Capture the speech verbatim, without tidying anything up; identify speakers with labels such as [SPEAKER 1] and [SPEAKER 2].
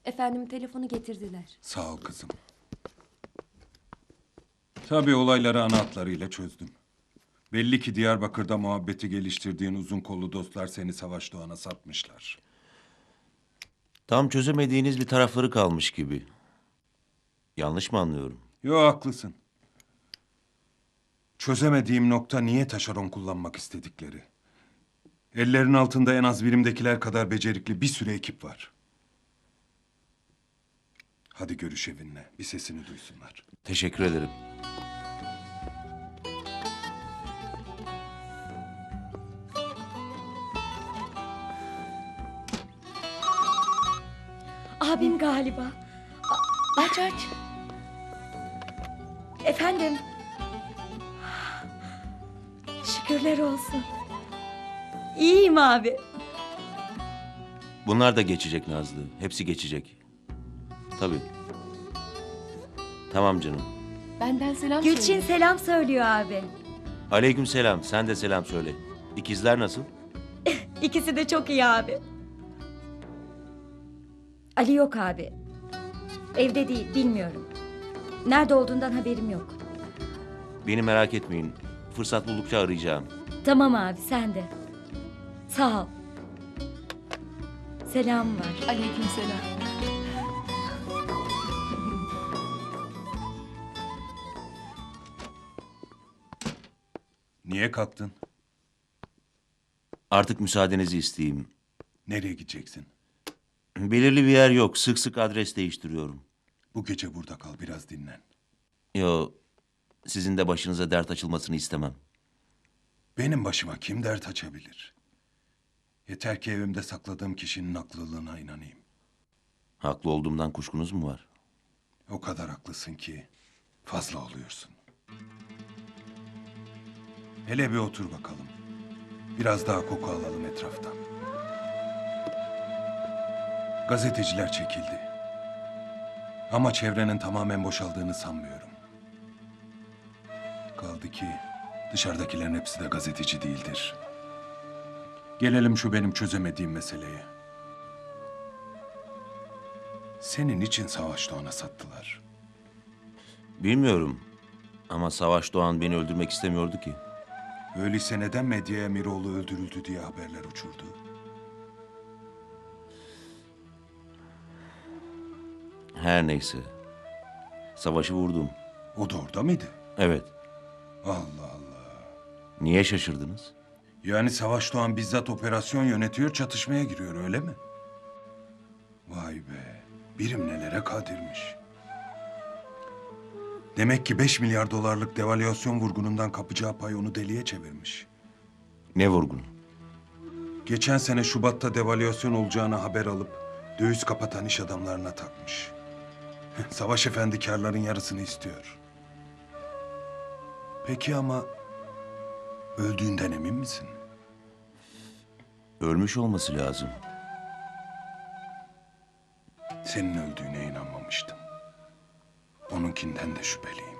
[SPEAKER 1] Efendim telefonu getirdiler.
[SPEAKER 2] Sağ ol kızım. Tabii olayları ana hatlarıyla çözdüm. Belli ki Diyarbakır'da muhabbeti geliştirdiğin uzun kollu dostlar seni Savaş Doğan'a satmışlar.
[SPEAKER 3] Tam çözemediğiniz bir tarafları kalmış gibi. Yanlış mı anlıyorum?
[SPEAKER 2] Yo, haklısın. Çözemediğim nokta niye taşeron kullanmak istedikleri. Ellerin altında en az birimdekiler kadar becerikli bir sürü ekip var. Hadi görüş evinle, bir sesini duysunlar.
[SPEAKER 3] Teşekkür ederim.
[SPEAKER 4] Abim galiba. A- aç aç. Efendim. Şükürler olsun. İyiyim abi.
[SPEAKER 3] Bunlar da geçecek Nazlı. Hepsi geçecek. Tabii. Tamam canım.
[SPEAKER 1] Benden selam
[SPEAKER 4] Gülçin
[SPEAKER 1] söyle.
[SPEAKER 4] selam söylüyor abi.
[SPEAKER 3] Aleyküm selam. Sen de selam söyle. İkizler nasıl?
[SPEAKER 4] İkisi de çok iyi abi. Ali yok abi. Evde değil, bilmiyorum. Nerede olduğundan haberim yok.
[SPEAKER 3] Beni merak etmeyin. Fırsat buldukça arayacağım.
[SPEAKER 4] Tamam abi, sen de. Sağ ol. Selam var.
[SPEAKER 1] Aleykümselam.
[SPEAKER 2] Niye kalktın?
[SPEAKER 3] Artık müsaadenizi isteyeyim.
[SPEAKER 2] Nereye gideceksin?
[SPEAKER 3] Belirli bir yer yok. Sık sık adres değiştiriyorum.
[SPEAKER 2] Bu gece burada kal, biraz dinlen.
[SPEAKER 3] Yo, sizin de başınıza dert açılmasını istemem.
[SPEAKER 2] Benim başıma kim dert açabilir? Yeter ki evimde sakladığım kişinin haklılığına inanayım.
[SPEAKER 3] Haklı olduğumdan kuşkunuz mu var?
[SPEAKER 2] O kadar haklısın ki fazla oluyorsun. Hele bir otur bakalım. Biraz daha koku alalım etraftan. Gazeteciler çekildi. Ama çevrenin tamamen boşaldığını sanmıyorum. Kaldı ki dışarıdakilerin hepsi de gazeteci değildir. Gelelim şu benim çözemediğim meseleye. Senin için Savaş Doğan'a sattılar.
[SPEAKER 3] Bilmiyorum. Ama Savaş Doğan beni öldürmek istemiyordu ki.
[SPEAKER 2] Öyleyse neden medyaya Miroğlu öldürüldü diye haberler uçurdu?
[SPEAKER 3] Her neyse. Savaşı vurdum.
[SPEAKER 2] O da orada mıydı?
[SPEAKER 3] Evet.
[SPEAKER 2] Allah Allah.
[SPEAKER 3] Niye şaşırdınız?
[SPEAKER 2] Yani Savaş Doğan bizzat operasyon yönetiyor, çatışmaya giriyor, öyle mi? Vay be, birim nelere kadirmiş. Demek ki beş milyar dolarlık devalüasyon vurgunundan kapacağı pay onu deliye çevirmiş.
[SPEAKER 3] Ne vurgun?
[SPEAKER 2] Geçen sene Şubat'ta devalüasyon olacağını haber alıp döviz kapatan iş adamlarına takmış. Savaş Efendi karların yarısını istiyor. Peki ama öldüğünden emin misin?
[SPEAKER 3] Ölmüş olması lazım.
[SPEAKER 2] Senin öldüğüne inanmamıştım. Onunkinden de şüpheliyim.